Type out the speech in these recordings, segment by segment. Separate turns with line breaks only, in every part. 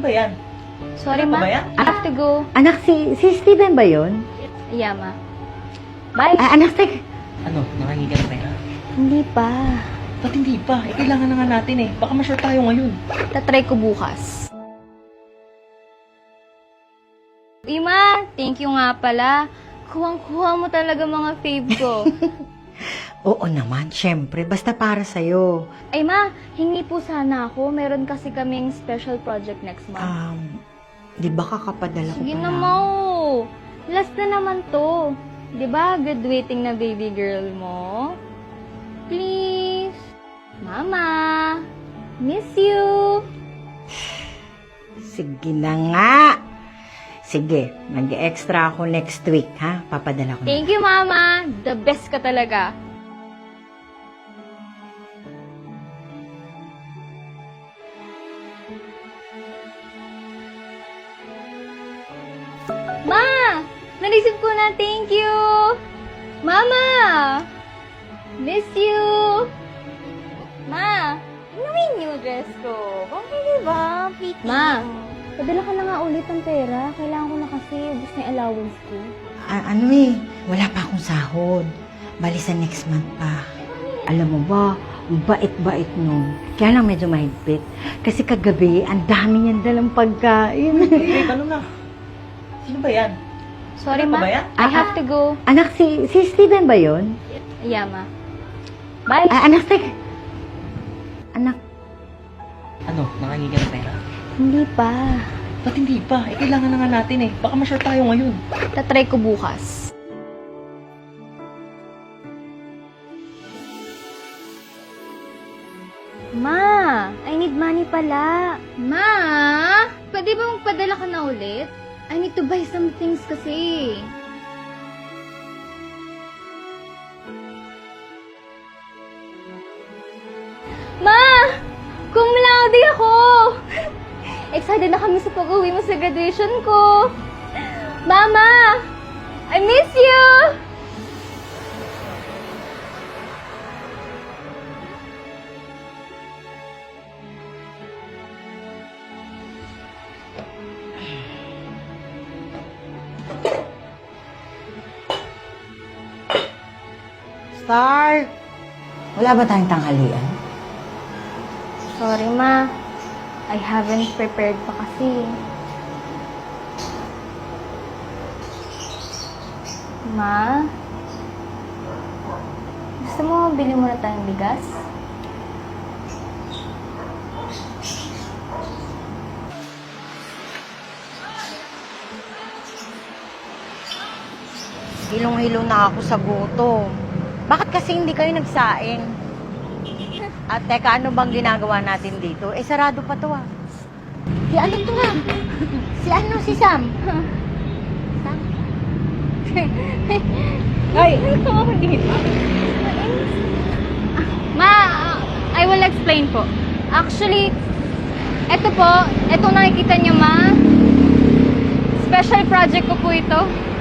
ba yan?
Sorry,
Ano
ma.
ba yan?
I have to go.
Anak, si Steven ba yun?
Yeah, ma. Bye.
Anak,
Ano, nakahingi ka ng pera?
Hindi pa.
Ba't hindi pa? Eh, kailangan na nga natin eh. Baka ma-short tayo ngayon.
Tatry ko bukas. Ima, thank you nga pala. Kuwang-kuha mo talaga mga fave ko.
Oo naman, syempre. Basta para sa'yo.
Ay ma, hingi po sana ako. Meron kasi kaming special project next month.
Di ba kakapadala ko
Sige
pa
na,
lang?
Mau. Last na naman to. Di ba, graduating na baby girl mo? Please. Mama. Miss you.
Sige na nga. Sige, mag-extra ako next week, ha? Papadala ko na.
Thank you, Mama. The best ka talaga. Ma! Naisip ko na, thank you! Mama! Miss you! Ma! Ano yung new dress ko? Okay, diba? Ma! Padala ka na nga ulit ng pera. Kailangan ko na kasi ubus na yung allowance ko.
Wala pa akong sahod. Bali sa next month pa. Alam mo ba, ang bait-bait nun. Kaya lang medyo mahigpit. Kasi kagabi, ang dami niyan dalang pagkain.
Eh, ano na? Sino ba yan?
Sorry,
Ano
Ma.
ba yan?
I have to go.
Anak, si Steven ba yun?
Yeah, Ma. Bye.
Anak,
Ano, nakahingi ka ng pera?
Hindi pa.
Ba't hindi pa? Eh, kailangan na nga natin eh. Baka ma-short tayo ngayon.
Tatry ko bukas. Ma, I need money pala. Ma, pwede ba magpadala ka na ulit? I need to buy some things kasi. Ma, cum laude ako. Excited na kami sa pag-uwi mo sa graduation ko. Mama, I miss you.
Star! Wala ba tayong tanghalian?
Sorry, Ma. I haven't prepared pa kasi. Ma? Gusto mo bili muna tayong bigas?
Hilong-hilo na ako sa gutom. Bakit kasi hindi kayo nagsaing? At teka, ano bang ginagawa natin dito? Eh, sarado pa to ah. Si ano to ah? Si Sam? Sam?
Ay! Ito ako dito. Ma, I will explain po. Actually, ito po, itong nakikita niyo, Ma. Special project ko po ito.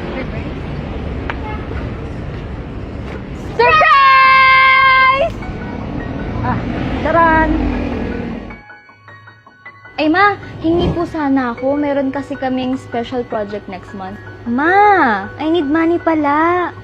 Surprise!
Taran!
Ay, Ma, hingi po sana ako. Meron kasi kaming special project next month. Ma, I need money pala.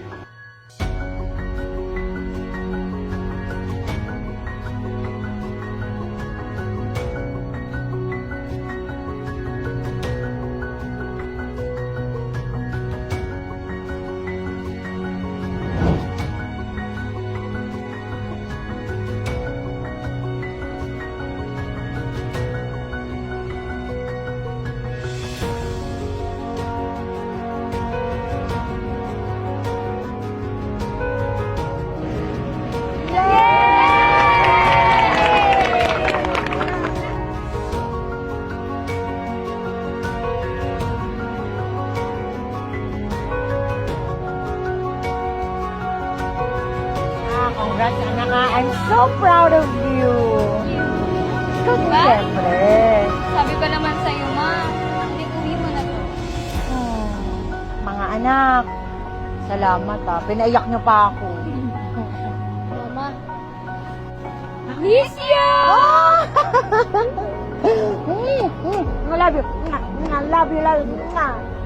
Congrats, anak ah. I'm so proud of you. Ikaw din,
Ba?
siyempre.
Sabi ko naman sa'yo, Ma. Hindi uwi mo na to.
Mga anak, salamat ah. Pinaiyak niyo pa ako.
Mama. Miss you!
Wala love you. Love you, love you.